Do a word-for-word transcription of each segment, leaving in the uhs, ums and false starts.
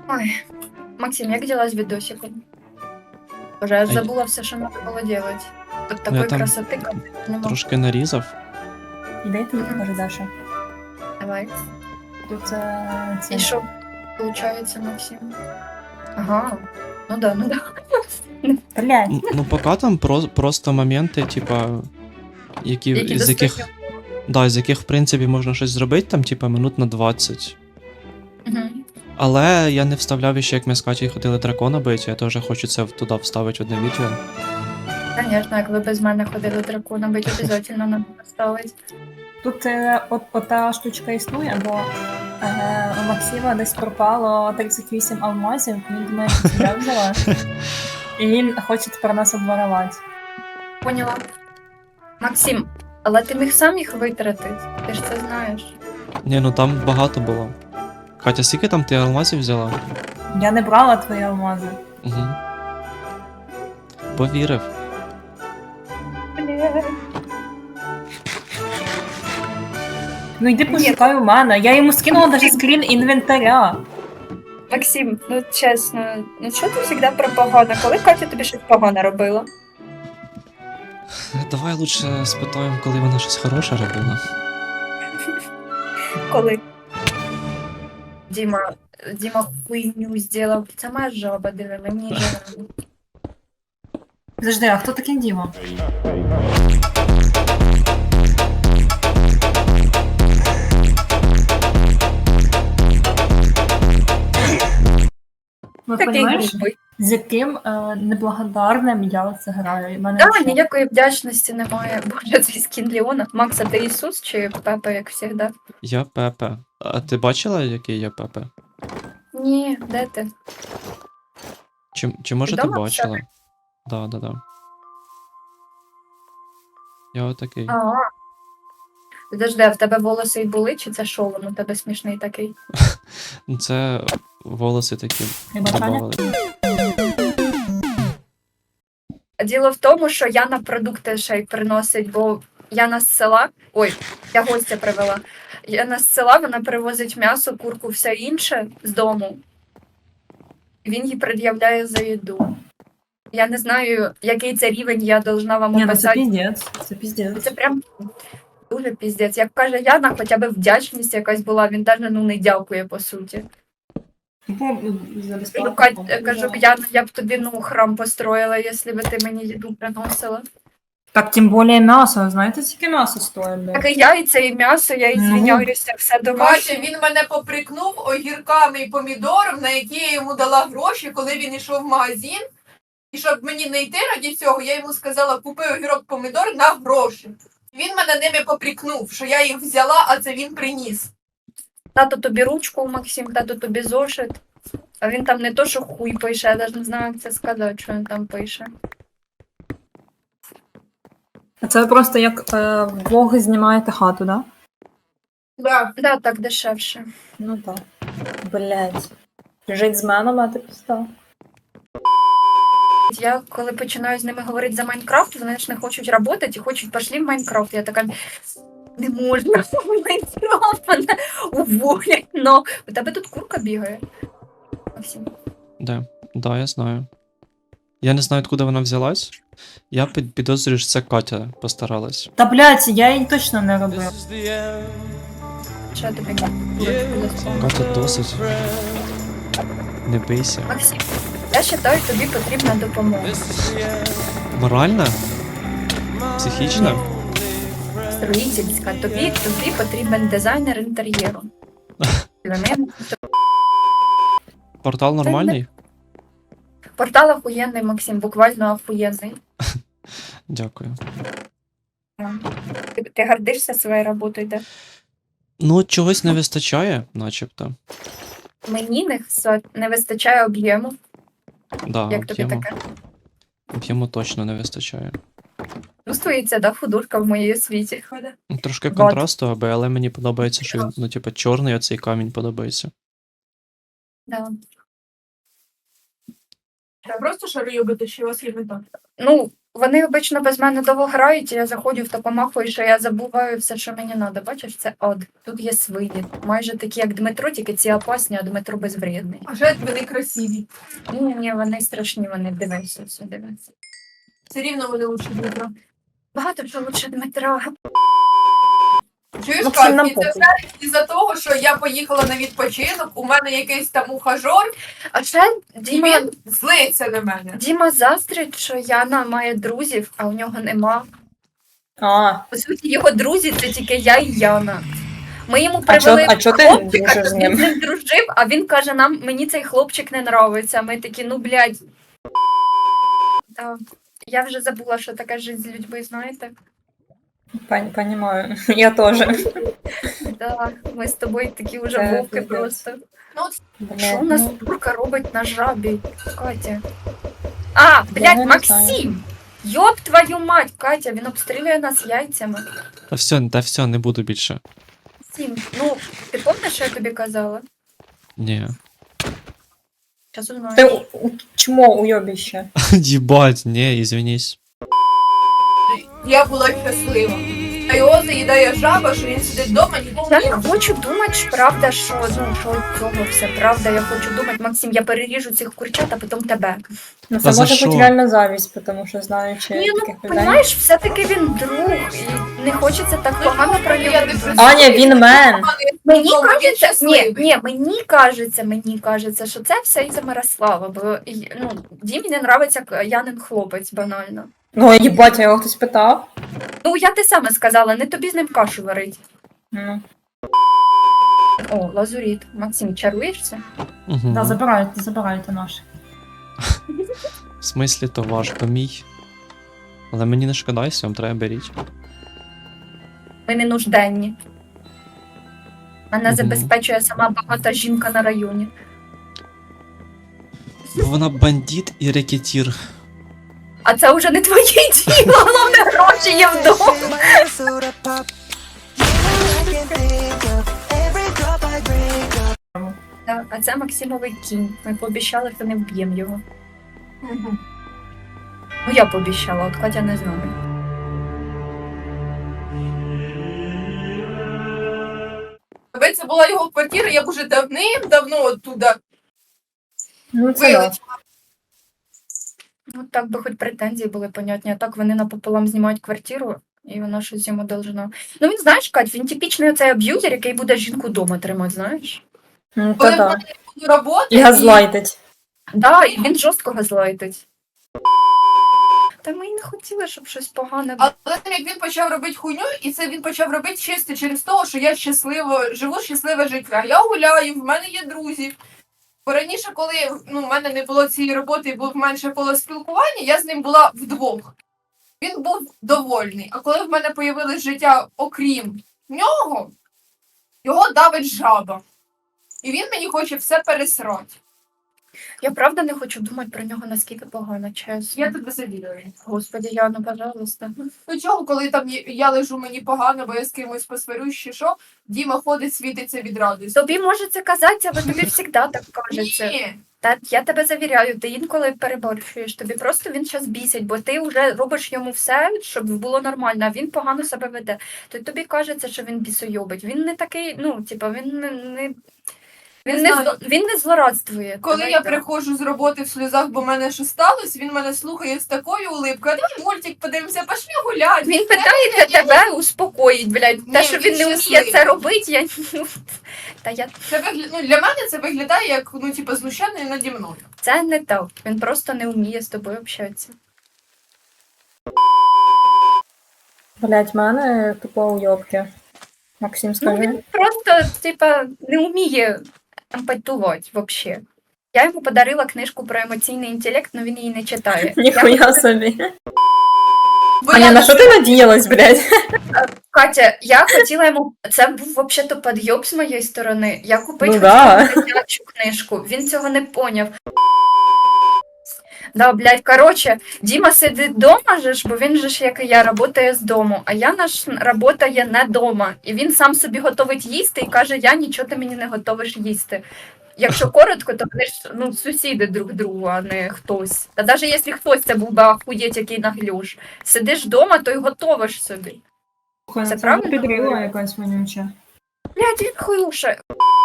Ой, Максим, як дела з відосиком? Боже, я А й- забула все, що треба було делать. Тут Ну, я такої там красоти как нема. Трошки нарізав. Іди ти, Мгм. каже Даша. Давай. Тут е, І це. що получається, Максим? Ага. Ну да, ну да. Блядь. М, Ну, поки там про- просто моменти, типа, які, Які з яких, достойні. да, з яких, в принципі, можна щось зробити, там, типа, минут на двадцять. Мгм. Але я не вставляв ще, як ми з Катєю ходили дракона бити, я теж хочу це в- туди вставити в одне відео. Конечно, як ви без мене ходили дракона, бить обов'язково надо поставити. Тут е, от, ота штучка існує, бо е, у Максима десь пропало тридцять вісім алмазів, він думає, що це я взяла. І він хоче тепер нас обворовати. Поняла. Максим, але ти міг сам їх витратити, ти ж це знаєш. Ні, ну там багато було. Катя, скільки там ти алмазів взяла? Я не брала твої алмази. Угу. Повірив. Ну йди пошукай у мене. Я йому скинула навіть скрін інвентаря. Максим, ну чесно, ну що ти завжди про погане? Коли Катя тобі щось погане робила? Давай лучше спитаємо, коли вона щось хороше робила. Коли? Діма, Діма хуйню зробив. Це моя жаба, диви, мені жаль. Подожди, а хто такий Діма? Ну, Такий розумієш, грубий. з яким е, неблагодарним я це граю. І в мене Да, вообще- ніякої вдячності немає. Боже, цей скін Леона. Макса, ти Ісус чи Пепа, як завжди? Я Пепе. А ти бачила, який я Пепе? Ні, де ти? Чи, чи може ти Вдома в бачила? Да, да, да. Я отакий. А. Подожди, а в тебе волоси й були, чи це шолом? У тебе смішний такий. Ну, це волоси такі Прибачання? добавили. Діло в тому, що Яна продукти ще й приносить, бо Яна з села. Ой, я гостя привела. Яна з села, вона привозить м'ясо, курку, все інше з дому. Він їй пред'являє за їду. Я не знаю, який це рівень, я должна вам Ні, ну це описати. піздець. Це піздець. Це прям дуже піздець. Як каже Яна, хоча б вдячність якась була, він навіть ну, не дякує, по суті. Бо, за Ну, безплатно. Кать, кажу, Яна, я б тобі ну, храм построїла, якщо б ти мені їду приносила. Так, тим більше м'ясо. Знаєте, скільки м'ясо стоїть? блядь? Так і яйця, і м'ясо, я і Ну. звиняюся, все Бачите, домашнє. він мене поприкнув огірками і помідором, на які я йому дала гроші, коли він йшов в магазин. І щоб мені не йти раді цього, я йому сказала, купи огірок помідор на гроші. Він мене ними поприкнув, що я їх взяла, а це він приніс. Тато тобі ручку, Максим, тато тобі зошит. А він там не то, що хуй пише, я навіть не знаю, як це сказати, що він там пише. Це просто як е, влог знімаєте хату, да? Да. Да, так дешевше. Ну так. Блять. Жить з мене мати підстав. Я коли починаю з ними говорити за Майнкрафт, вони ж не хочуть працювати і хочуть пішли в Майнкрафт. Я така, не можна в Майнкрафт, мене уволять. Но у тебе тут курка бігає. Максим. Де? Да, я знаю. Я не знаю, откуда вона взялась. Я під- підозрюю, що це Катя постаралась. Та блять, я її точно не робив. Що я тобі кажу? Катя досить. Не бийся. Максим, я вважаю, тобі потрібна допомога. Моральна? Психічна? Строїтельська. Тобі, тобі потрібен дизайнер інтер'єру. Вони- Портал нормальний? Портал охуєнний, Максим, буквально охуєнний. Дякую. Ти, ти гордишся своєю роботою, де? Ну, чогось не вистачає, начебто. Мені не, хс- не вистачає об'єму. Да, Як тобі об'єму, таке? об'єму точно не вистачає. Чувствується, да, художка в моїй освіті. Ну, трошки Вот. контрасту, аби, але мені подобається, що він, ну, типу, чорний, оцей камінь подобається. Да. Я просто шарую бити, що у вас є мета. Ну, Вони обично без мене довго грають, і я заходжу в та помахую, що я забуваю все, що мені треба. Бачиш, це ад. Тут є свині. Майже такі, як Дмитро, тільки ці опасні, а Дмитро безвредний. А жаль, вони красиві. Ні, ні, вони страшні, вони дивися, все дивися. Все рівно вони лучше Дмитро. Багато вже лучше Дмитра. Чуєш, Максим, Кать, нам і це похуй. все із-за того, що я поїхала на відпочинок, у мене якийсь там ухажор, А ще і Діма, він злиться на мене. Діма заздрить, що Яна має друзів, а у нього нема. А, По суті, його друзі це тільки я і Яна. Ми йому А чо- привели а чо ти хлопчика, дружиш з щоб ним? він з ним дружив, а він каже, нам мені цей хлопчик не нравиться. Ми такі, ну блядь. Да. Я вже забула, що така життя з людьми, знаєте? пон- понимаю. Я тоже. Да, ми з тобою такі вже Це вовки пиздець. просто. Блядь, Що у нас ну, турка робить на жабі, Катя? А, блядь, не Максим! Йоп твою мать, Катя, він обстрілює нас яйцями. Та все, та все, не буду більше. Максим, ну, ти пам'ятаєш, що я тобі казала? Ні. Зараз узнаю. Ти у- у- чмо уйобище. Їбать, ні, ізвинись. Я була щаслива. А його заїдає жаба, що він сидить вдома, нікому Я не не хочу думати, що правда, що ну що від цього все правда. Я хочу думати, Максим, я переріжу цих курчат, а потім тебе. Ну, Та це за може що? бути реально завість, тому що знаючи Ні, ну таких людей. розумієш, все-таки він друг, і не хочеться так Ну, погано про я нього. не думати. Аня, він мен. Мені Ну, він кажеться, ні, щасливий. ні, мені кажеться, мені кажеться, що це все із-за Мирослава, бо і, ну, Дімі не нравиться к- Янин хлопець банально. Ну, їбать, а його хтось питав. Ну, я ти саме сказала, не тобі з ним кашу варить. Ну, О, лазуріт. Максим, чаруєшся? Угу. да, забирайте, забирайте наш. В смислі, то ваш, то мій. Але мені не шкода, якщо вам треба беріть. Ми не нужденні. Мене Мгм. забезпечує сама багата жінка на районі. Бо вона бандит і рекетір. А це вже не твоє діло, головне гроші є вдома. Так, а це Максимовий кінь. Ми пообіцяли, що не вб'ємо його. Мгм. Ну я пообіцяла, от Катя не знаю. Якби це була його квартира, я б уже давним-давно оттуда Ну, це да. вилетіла. Ну так би хоч претензії були понятні, а так вони напополам знімають квартиру, і вона щось йому должна. Ну він знаєш, Кать, він типічний оцей аб'юзер, який буде жінку вдома тримати, знаєш? Ну, Коли та в да. мене буду роботи, І газлайтить. Да, і він жорстко газлайтить. Та ми й не хотіли, щоб щось погане було. але як він почав робити хуйню, і це він почав робити чисто через те, що я щасливо живу щасливе життя. Я гуляю, в мене є друзі. Бо раніше, коли ну, в мене не було цієї роботи і було менше коло спілкування, я з ним була вдвох. Він був довольний. А коли в мене появилось життя окрім нього, його давить жаба. І він мені хоче все пересрати. Я правда не хочу думати про нього наскільки погано, чесно. Я тебе завідую. Господи, Яна, пожалуйста. Ну чого, коли там є- я лежу мені погано, бо я з кимось посварюсь, чи що, Діма ходить, світиться від радості. Тобі може це казатися, бо тобі завжди так кажеться. Ні, Та я тебе завіряю, ти інколи переборщуєш. Тобі просто він щас бісить, бо ти вже робиш йому все, щоб було нормально, а він погано себе веде. То тобі кажеться, що він бісойобить. Він не такий, ну, типа, він не. не... Він Не не, знаю. зло- він не злорадствує. коли Давай я так. приходжу з роботи в сльозах, бо в мене що сталося, він мене слухає з такою улипкою, а давай мультик подивимося, пошли гуляти. Він питається тебе успокоїть, блядь. Те, Ні, що він він не вміє щасливий. це робити, я ну, та я Це вигля... ну, для мене це виглядає як ну, типу, знущання наді мною. це не так. Він просто не вміє з тобою общатися. Блять, мене тупо уйобки. Максим, Ну скажи. він просто, типа, не вміє емпатувати взагалі. Я йому подарила книжку про емоційний інтелект, але він її не читає. Я Ніхуя собі. Бо Аня, я на що ти надіялась, блядь? Катя, я хотіла йому. Це був взагалі підйоб з моєї сторони. Я купити Ну хотіла да. дитячу книжку. Він цього не поняв. Да, блядь, короче, Діма сидить вдома же ж, бо він же ж, як і я, працює з дому, а я наш працює не вдома. І він сам собі готовить їсти і каже, я нічого ти мені не готовиш їсти. якщо коротко, то вони ж ну, сусіди друг другу, а не хтось. Та навіть якщо хтось це був би ахуєть, який наглюш. Сидиш вдома, то й готовиш собі. Слухай, Це ну правильно підрила говорю? якась вонюча. Блядь, він хуюша.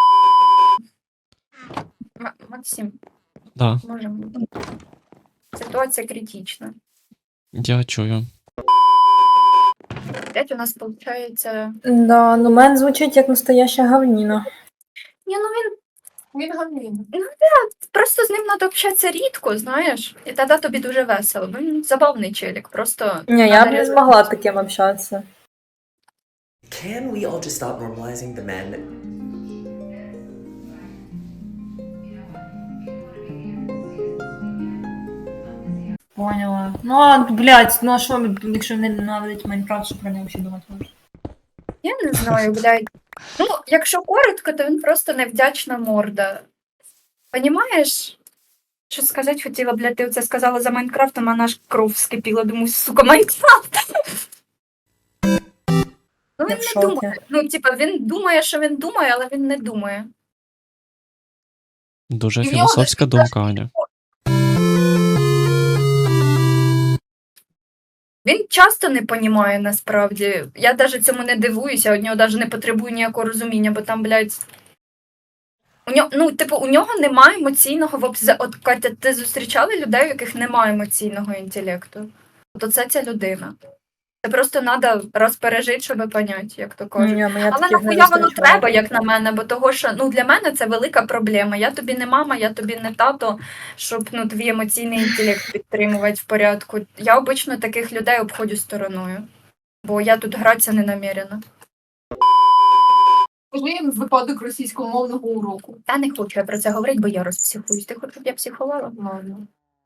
М- Максим, Да, можемо. Ситуація критична. я чую. Опять у нас виходить. Да, ну мен звучить як настояща гавніна. Ні, ну він Він гамін. просто з ним треба общатися рідко, знаєш, і тоді тобі дуже весело. Бо він забавний челік, просто. Ні, я надо б не реально- змогла таким общатися. Can we all just stop normalizing the men? Поняла. Ну, а, блядь, ну а що, ми, якщо не ненавидить Майнкрафт, що про нього ще думати можна? Я не знаю, блядь. Ну, якщо коротко, то він просто невдячна морда. Понімаєш? Що сказати хотіла, блядь, ти оце сказала за Майнкрафтом, а наш кров вскипіла. Думаю, сука, Майнкрафт. Ну, Я він в не шокі. думає. Ну, типа, він думає, що він думає, але він не думає. Дуже І в нього філософська думка, Аня. Він часто не понімає насправді. Я навіть цьому не дивуюся, від нього навіть не потребую ніякого розуміння, бо там, блядь. У нього, ну, типу, у нього немає емоційного вобз- От, Катя, ти зустрічала людей, у яких немає емоційного інтелекту? От оце ця людина. Це просто треба розпережити, щоб поняти, як то кажуть. Ні, ну, я Але таких не нахуя воно зустрічала. треба, як на мене, бо того, що ну, для мене це велика проблема. Я тобі не мама, я тобі не тато, щоб ну, твій емоційний інтелект підтримувати в порядку. Я обично таких людей обходжу стороною, бо я тут гратися не намірена. Скажи їм випадок російськомовного уроку. Та не хочу я про це говорити, бо я розпсихуюсь. Ти хочеш, щоб я психувала? Ладно.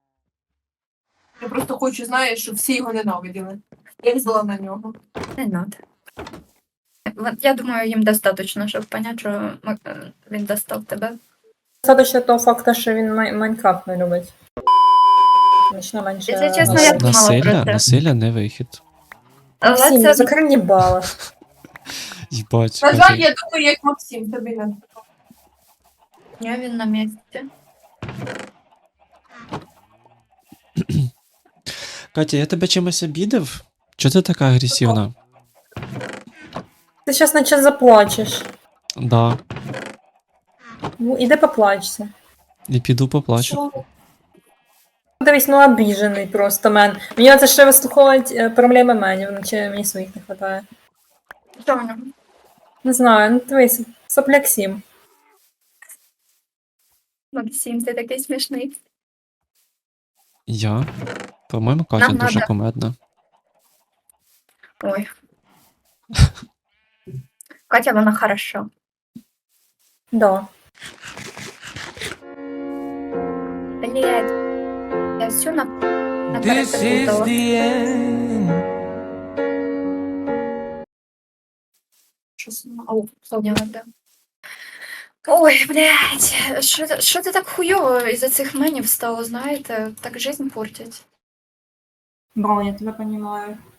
Я просто хочу, знаєш, щоб всі його ненавиділи. Я зла на нього. Не надо. Вон- Я думаю, їм достатньо, щоб поняти, що м- е, він достав тебе. Достаточно того факту, що він Май- Майнкрафт не любить. Значно менше... Якщо чесно, Нас- я думала про насилля, це. насилля не вихід. Але Максим, це закрий бала. Їбать. На жаль, Катя. я думаю, як Максим, тобі не. я він на місці. Катя, я тебе чимось обідав? Чого ти така агресивна? Ти зараз наче заплачеш. Да. Ну, іди поплачся. І піду поплачу. Дивись, ну обіжений просто мен. Мені це ще вислуховують е, проблеми менів, наче мені своїх не вистачає. Що в ньому? Не знаю, ну дивись, сопляк сім. Максим, ти такий смішний. Я? По-моєму, Катя Нам дуже надо. кумедна. Ой. Катя, вона хороша. Да. Блядь. Я все на... This is наперепутала. the end. Що сама? Ау, поняла, да. Ой, блядь, що, це- що це так хуйово із-за цих менів стало, знаєте? Так жизнь портять. Бро, я тебе розумію.